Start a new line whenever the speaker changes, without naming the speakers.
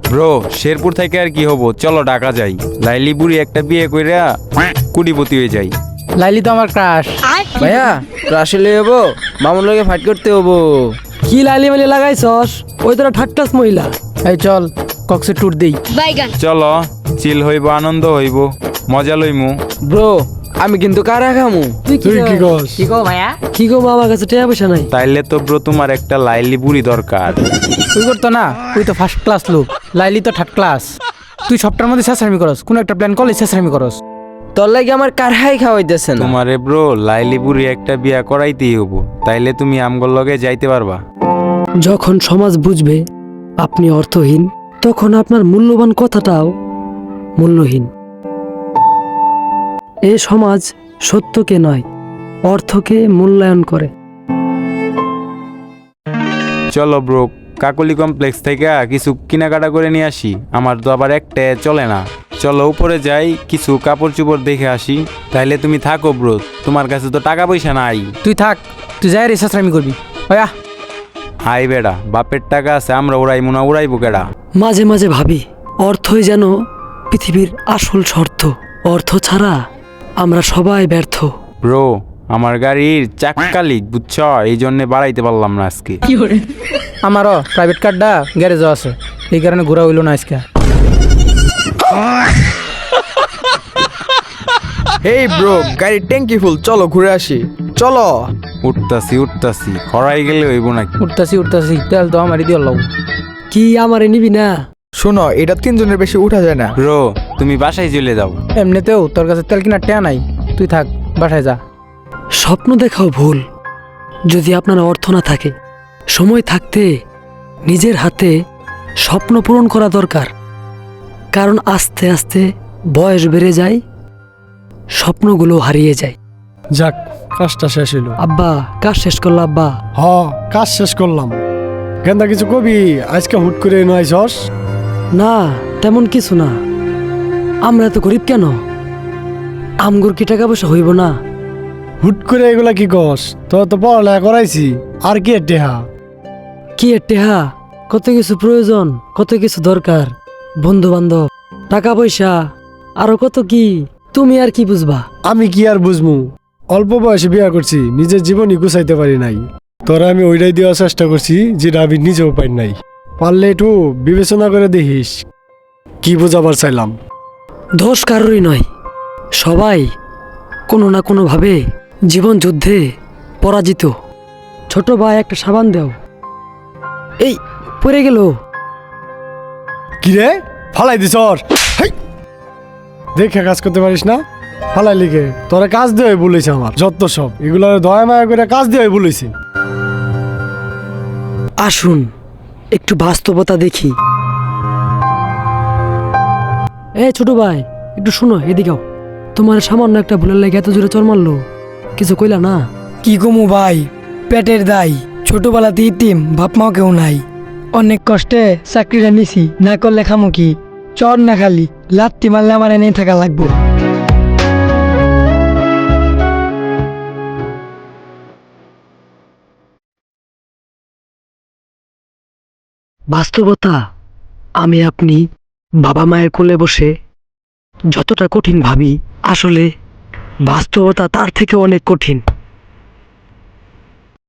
Bro Sherpur থেকে আর কি হবো, চলো ঢাকা যাই। লাইলি বুড়ি একটা বিয়ে কইরা কুড়িপতি হয়ে যাই।
লাইলি তো আমার ক্রাশ।
ভাইয়া ক্রাশে লই হবো, মামুর লগে ফাইট করতে হবো।
কি লাইলি মালি লাগাইছস? ওই তোরা থার্ড ক্লাস মহিলা।
এই চল কক্সে ট্যুর দেই।
চলো চিল হইব, আনন্দ হইব, মজা লইমু।
ব্রো আমি কিন্তু কারা খামু।
তুই কি কস?
কি গো ভাইয়া?
কি গো মা, আমার কাছে টাকা পয়সা নাই।
তাইলে তো ব্রো তোমার একটা লাইলি বুড়ি দরকার।
তুই করতো না, তুই তো ফার্স্ট ক্লাস লোক, লাইলি তো থার্ড ক্লাস। তুই সবটার মধ্যে শেষরামি করস, কোন একটা প্ল্যান করলে শেষরামি করস।
তোর লাগে আমার কারহাই খাওয়াইতেছে না।
তোমারে ব্রো লাইলি বুড়ি একটা বিয়া করাইতেই হবো, তাইলে তুমি আমগর লগে যাইতে পারবা।
যখন সমাজ বুঝবে আপনি অর্থহীন, তখন আপনার মূল্যবান কথাটাও মূল্যহীন। এ সমাজ সত্যকে নয়, অর্থকে মূল্যায়ন করে।
চলো ব্রো কাকলি কমপ্লেক্স থেকে কিছু কেনাকাটা করে নিয়ে আসি, আমার তো আবার একটা চলে না। চলো উপরে যাই, কিছু কাপড় চোপড় দেখে আসি। তাইলে তুমি থাকো ব্রো, তোমার কাছে তো টাকা পয়সা নাই।
তুই থাক, তুই যাই রে শেষরামি করবি। ভাইয়া
হাই বেড়া, বাপের টাকা আছে, আমরা উড়াইমু না, উড়াইবো কেডা?
মাঝে মাঝে ভাবি অর্থই যেন পৃথিবীর আসল শর্ত। অর্থ ছাড়া আমরা সবাই ব্যর্থ।
ব্রো আমার গাড়ির চাক্কা লিক, বুঝছ, এই জন্য বাড়াইতে পারলাম না আজকে।
আমারও প্রাইভেট কারটা গ্যারেজও আছে, এই কারণে ঘোরা হইল না আজকে।
এই ব্রো গাড়ির ট্যাঙ্কি ফুল, চলো ঘুরে আসি। চলো।
উঠতাছি খরাই গেলে হইব নাকি?
উঠতাছি তেল তো আমারই দিয়ে লও।
কি আমারে নিবি না?
শোনো, এটা তিনজনের বেশি উঠা যায় না।
ব্রো তুমি বাসায় চলে যাও।
এমনিতেও তোর কাছে তেল কিনার টেয়া নাই, তুই থাক বাসায় যা।
স্বপ্ন দেখাও ভুল যদি আপনার অর্থ না থাকে। সময় থাকতে নিজের হাতে স্বপ্ন পূরণ করা দরকার, কারণ আস্তে আস্তে বয়স বেড়ে যায়, স্বপ্নগুলো হারিয়ে যায়।
যাক, কাজটা শেষ হইল।
আব্বা কাজ শেষ করলো আব্বা।
হ, কাজ শেষ করলাম। গেন্দা কিছু কবি? আজকে হুট করে নয়ছস?
না তেমন কিছু না, আমরা তো গরিব কেন? আমগুর কি টাকা পয়সা হইব না?
হুট করে এগুলা কি কস? তোর তো পড়ালেখা করাইছি, আর কি টেহা?
কি এর টেহা? কত কিছু প্রয়োজন, কত কিছু দরকার, বন্ধু বান্ধব, টাকা পয়সা, আরো কত কি। তুমি আর কি বুঝবা?
আমি কি আর বুঝমু? অল্প বয়সে বিয়া করছি, নিজের জীবনই গুছাইতে পারি নাই। তোরা আমি ওইটাই দেওয়ার চেষ্টা করছি যেটা আমি নিজেও পাই নাই। পারলে একটু বিবেচনা করে দেখিস। কি বোঝাবার চাইলাম?
দোষ কারোরই নয়, সবাই কোনো না কোনোভাবে জীবন যুদ্ধে পরাজিত। ছোট ভাই একটা সাবান দাও। এই পড়ে গেল।
কি রে, ফালাই দিস? দেখে কাজ করতে পারিস না? ফালাই লিখে তোরা কাজ দিয়ে বলেছে আমার যত সব এগুলো দয়া মায়া করে কাজ দিয়ে বলেছে।
আসুন একটু বাস্তবতা দেখি। ছোট ভাই একটু শোনো, এদিকেও। তোমার সামান্য একটা ভুলের লেগে এত জোরে চর মারলো, কিছু কইলা না?
কি কমু ভাই, পেটের দায়। ছোটবেলাতে ইতিম, বাপ মাও কেউ নাই। অনেক কষ্টে চাকরিটা নিছি, না করলে খামু কি? চর না খালি লাত্তি মারলে আমার এনেই থাকা লাগবো।
বাস্তবতা আমি আপনি বাবা মায়ের কোলে বসে যতটা কঠিন ভাবি, আসলে বাস্তবতা তার থেকে অনেক কঠিন।